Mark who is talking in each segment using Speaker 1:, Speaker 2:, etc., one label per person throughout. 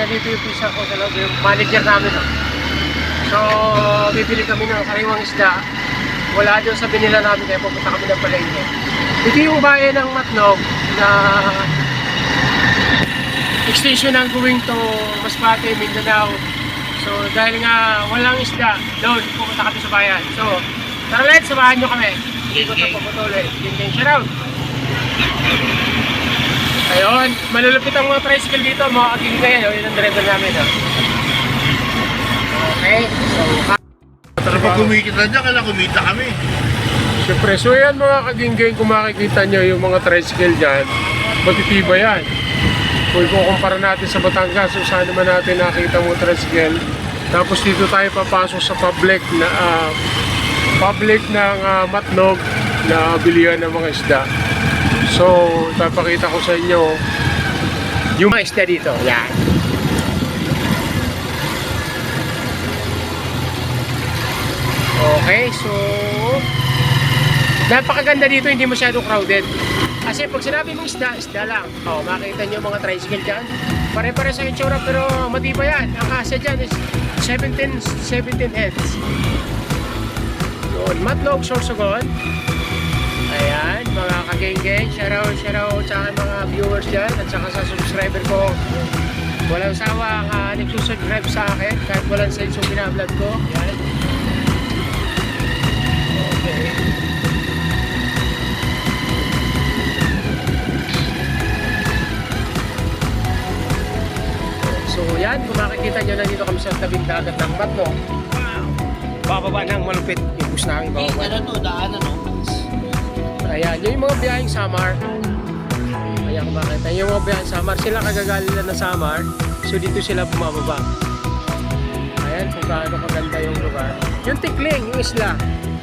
Speaker 1: nandito yung pisa ko sa loob, yung manager namin. No? So, bibili kami ng sariwang isda. Wala doon sa binila namin kaya pupunta kami ng palengke. Ito yung bayan ng Matnog na extension ng going to Masbate, Mindanao. So, dahil nga walang isda, doon pupunta kami sa bayan. So, tara let's, samahan nyo kami. Ikot na puputuloy. Gang, shout out! Ayun, malulupit ang mga tricycle dito, mga kagingay. Yun ang driver namin. Okay, so
Speaker 2: Kapag kumikita dyan, kailangan kumita kami.
Speaker 1: siyempre, so yan mga kagingay, kung makikita nyo yung mga tricycle dyan, matitiba yan. Kung kukumpara natin sa Batangas, so saan naman natin nakita mo tricycle. Tapos dito tayo papasok sa public ng Matnog na bilihan ng mga isda. So, papakita ko sa inyo yung mga isda dito. Yan. Okay, so napakaganda dito, hindi masyadong crowded. Kasi pag sinabi mong isda, isda lang. Makikita nyo mga tricycle dyan. Pare-pare sa itsura pero matibay yan. Ang kasa dyan is 17 heads. Yun, Matnog, Sorsogon. Ayan, mga kageng-geng, shoutout sa aking mga viewers dyan at saka sa subscriber ko. Walang sawa ang nagsusubscribe sa akin kahit walang sense yung binablog ko. Ayan. Okay. So yan, kung makikita nyo na dito kami sa tabing dagat ng Matnog. Bababa ng malupit yung bus namin bababa.
Speaker 2: Ano to, daanan no?
Speaker 1: Ayan, yung mga biyaheng Samar. Ayan, kung makita yung mga biyaheng Samar, sila kagagaling na ng Samar. So dito sila bumababa. Ayan, kung gaano kaganda yung lugar. Yung Tikling, yung isla.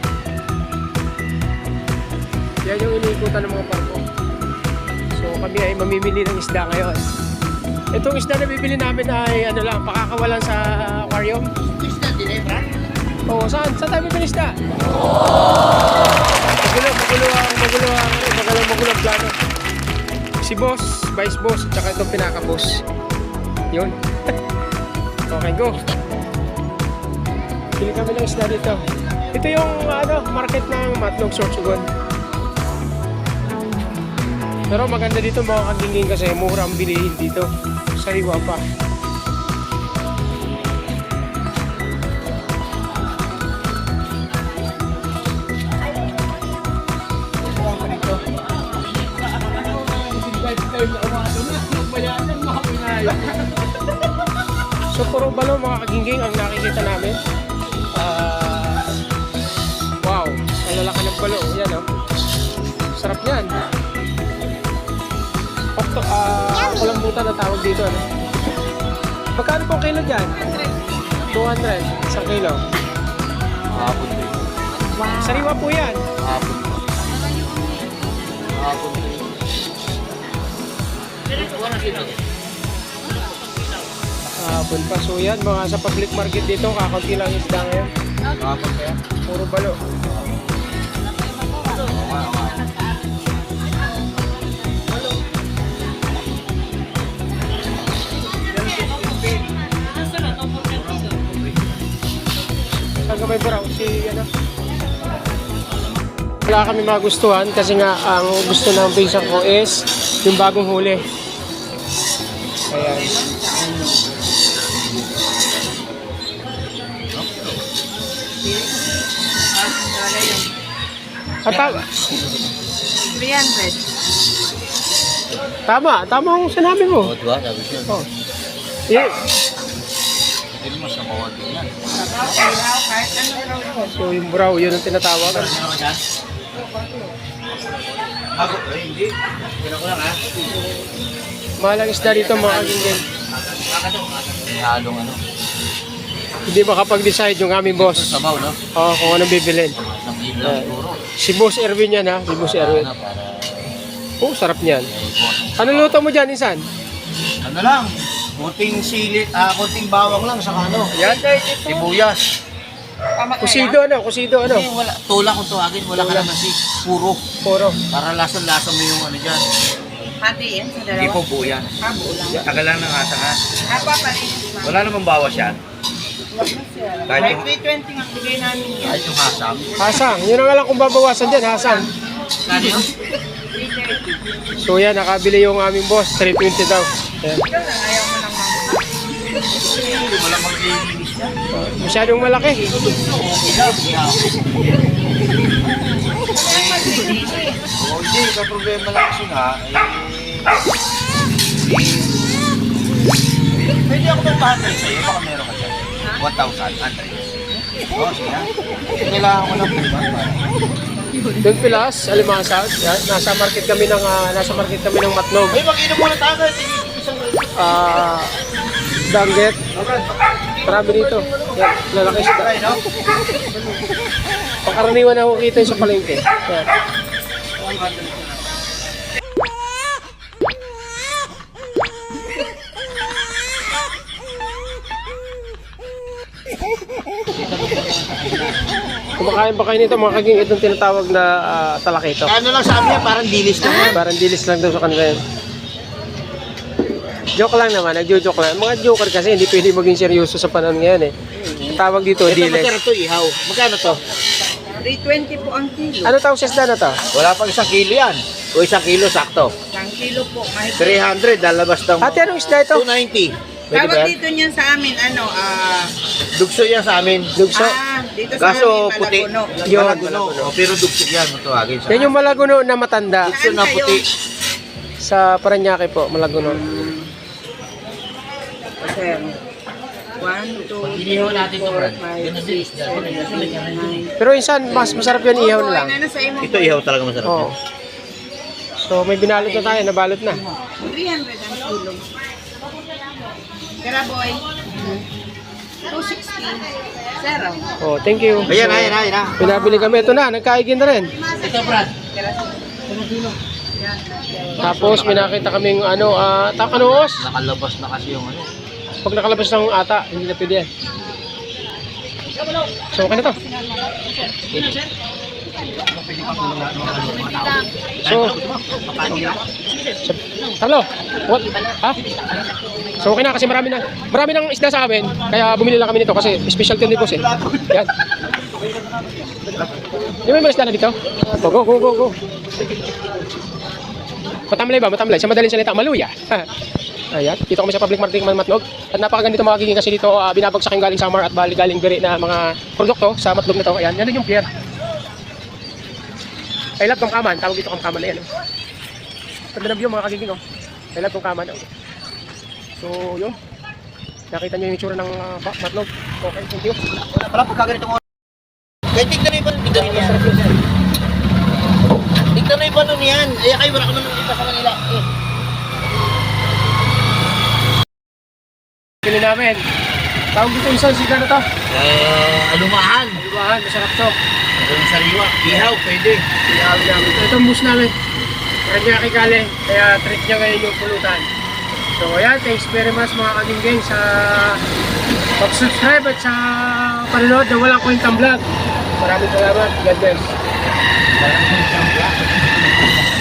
Speaker 1: Yan yung iniikutan ng mga barko. So kami ay mamimili ng isda ngayon. Itong isda na bibili namin ay ano lang, pakakawalan sa aquarium.
Speaker 2: Isda, dinebra?
Speaker 1: Oo, saan? Saan tayo bibili isda? Magulo ang plano. Si boss, vice boss, at saka itong pinaka-boss. Yun. Okay, go. Pili kami ng isda dito. Ito yung market ng Matnog, Sorsogon. Pero maganda dito mga kagingin kasi mura ang bilihin dito. Sariwa pa. So puro balo mga kaginging ang nakikita namin. Wow, ang lalaki ng balo. Yan sarap yan. Kulambutan na tawag dito. Magkano po kilo dyan? 200 isang kilo.
Speaker 2: Hapon din.
Speaker 1: Wow. Sariwa po yan.
Speaker 2: Hapon. Hapon din.
Speaker 1: Hapon pa. So yan, mga sa public market dito, kakaunti lang isda ngayon.
Speaker 2: Hapon kaya?
Speaker 1: Puro balo. May brown si wala kami magustuhan kasi nga ang gusto ng pinsan ko is yung bagong huli. Ayan. Tama ang sinabi mo.
Speaker 2: Diba? Sabi siya.
Speaker 1: Oh. Yeah.
Speaker 2: Hindi mo sa bawal din yan.
Speaker 1: So yung brow, yun ang tinatawagan.
Speaker 2: Hindi. Gano'n ko lang ha.
Speaker 1: Mahalang isda dito mga kagingin.
Speaker 2: May halong ano.
Speaker 1: Hindi makapag-decide yung aming boss.
Speaker 2: Sabaw no?
Speaker 1: Oo, kung anong bibilin.
Speaker 2: Isang kilo lang siguro.
Speaker 1: Si Boss Erwin yan ha, si Boss Erwin.
Speaker 2: Para
Speaker 1: Sarap niyan. Ano luto mo dyan, Insan?
Speaker 2: ano lang, konting sili, konting bawang lang sa ano.
Speaker 1: Yan.
Speaker 2: Sibuyas.
Speaker 1: Kusido ano?
Speaker 2: Hindi, wala. Tula kung tuwagin, wala ka naman si puro.
Speaker 1: Puro.
Speaker 2: Para lasang-lasa mo yung ano dyan.
Speaker 3: Pati yan sa
Speaker 2: Hindi
Speaker 3: dalawa.
Speaker 2: po buo yan.
Speaker 3: Buo lang.
Speaker 2: Tagal lang ng asa nga.
Speaker 3: Papalinis ma'am.
Speaker 2: Wala namang bawas yan.
Speaker 3: Wag na sir.
Speaker 2: Kahit
Speaker 3: Kahit
Speaker 2: yung-
Speaker 3: 320 nga bigay namin yan.
Speaker 2: Kahit yung hasam.
Speaker 1: Hasang, yun ang alam kung babawasan dyan, hasang.
Speaker 2: Kano yun?
Speaker 3: 330.
Speaker 1: So yan, nakabili yung aming boss, 320 daw. Yan.
Speaker 3: Ikaw lang, ayaw mo lang ma'am.
Speaker 2: Wala maglilinis yan.
Speaker 1: Masyadong malaki.
Speaker 2: Okay lang. O hindi, may problema lang kasi nga. Pwede ako magpahandle sa'yo. Baka meron ka dyan. 1,000, Andre. Oo, sige. Kailangan ko lang po.
Speaker 1: Doon Pilas, Alimasag. Yan, nasa market kami ng Matnog.
Speaker 2: Ay, mag-inom muna tayo.
Speaker 1: Danggit. Marami dito. Yan, lalaki isda.
Speaker 2: Ay, no?
Speaker 1: Pangkaraniwan na kita yung sa palengke. Yan. Kumakain pa kayo nito mga kaging itong tinatawag na talakito.
Speaker 2: Ano lang sabi niya, parang dilis lang yan.
Speaker 1: Parang dilis lang daw sa kanila yan. Joke lang naman, nagjo-joke lang. Mga joker kasi hindi pwede maging seryoso sa panahon ngayon eh. Ang tawag dito,
Speaker 2: Ito,
Speaker 1: dilis.
Speaker 2: magkano to, ihaw? Magkano to?
Speaker 3: 320 po ang kilo.
Speaker 1: Ano tawag sa isda na to?
Speaker 2: Wala pang 1 kilo yan. O 1 kilo, sakto.
Speaker 3: Isang kilo po. Mahigit.
Speaker 2: 300, lalabas ng
Speaker 1: Ate, anong isda ito?
Speaker 2: 290. Pwede ba
Speaker 3: Tawag
Speaker 2: yan?
Speaker 3: dito niyan sa amin,
Speaker 2: Dugso yan sa amin.
Speaker 1: Dugso.
Speaker 3: dito sa
Speaker 2: Kaso
Speaker 3: amin,
Speaker 2: puti.
Speaker 3: Malaguno.
Speaker 1: Yun.
Speaker 2: Malaguno. O, pero dugso yan, matawagin sa
Speaker 1: Yan yung Malaguno na matanda.
Speaker 2: dugso na puti.
Speaker 1: Sa Paranaque po, Malaguno.
Speaker 3: Sir. 1, 2,
Speaker 2: Inihaw natin to, Brad.
Speaker 3: 5, 6, 7, 8, 9.
Speaker 1: Pero insan, mas masarap yan ihaw na lang.
Speaker 3: Ano sa imo?
Speaker 2: Ito ihaw talaga masarap.
Speaker 1: Oo. So may binalot na tayo, nabalot na.
Speaker 3: 300 ang kilo. Kara boy. 260. Zero.
Speaker 1: Oh, thank you.
Speaker 2: Ayan,
Speaker 1: So,
Speaker 2: ayan, ayan.
Speaker 1: pinabili kami. Ito na, nagkaigin na rin.
Speaker 2: Ito, Brad.
Speaker 1: Tapos pinakita kaming takanoos.
Speaker 2: Nakalabas na kasi yung ano.
Speaker 1: Pag nakalabas ng ata, hindi na pwede yan. So, okay na to. So, Carlo, what? Ha? So, okay na kasi marami ng isda sa amin. Kaya bumili lang kami nito kasi specialty din po eh. Yan. Di ba may isda na dito? Go. Matamlay ba? Matamlay. Sa madaling salita, maluya. Ayan, dito kami sa public marketing Matnog. At napakaganda magiging kasi dito binabagsak yung galing Samar at galing Biri na mga produkto sa Matnog na to. Ayan, yan din yung pier. I love Kamkaman, tawag dito Kamkaman na yan. Oh. Ganda na view mga kagiging. Oh. I love Kamkaman. Oh. So, yun. Nakita nyo yung itsura ng Matnog. Okay, thank you.
Speaker 2: Wala pa kaganito mo. Kaya tignan mo yung panon yan. Tignan mo yung panon yan. Ay, kayo wala ka naman kita sa kanila.
Speaker 1: Pili namin. Tawag dito isang siga na to.
Speaker 2: Alumahan.
Speaker 1: Alumahan, masarap to.
Speaker 2: Ang sariwa. Ihaw, pwede.
Speaker 1: Iyawi namin. Ito ang bus namin. Meron niya kikali. Kaya treat niya ngayon yung pulutan. So ayan, thanks very much mga kaginggang sa pag-subscribe at sa panonood na walang kwentang vlog. Maraming salamat. God bless.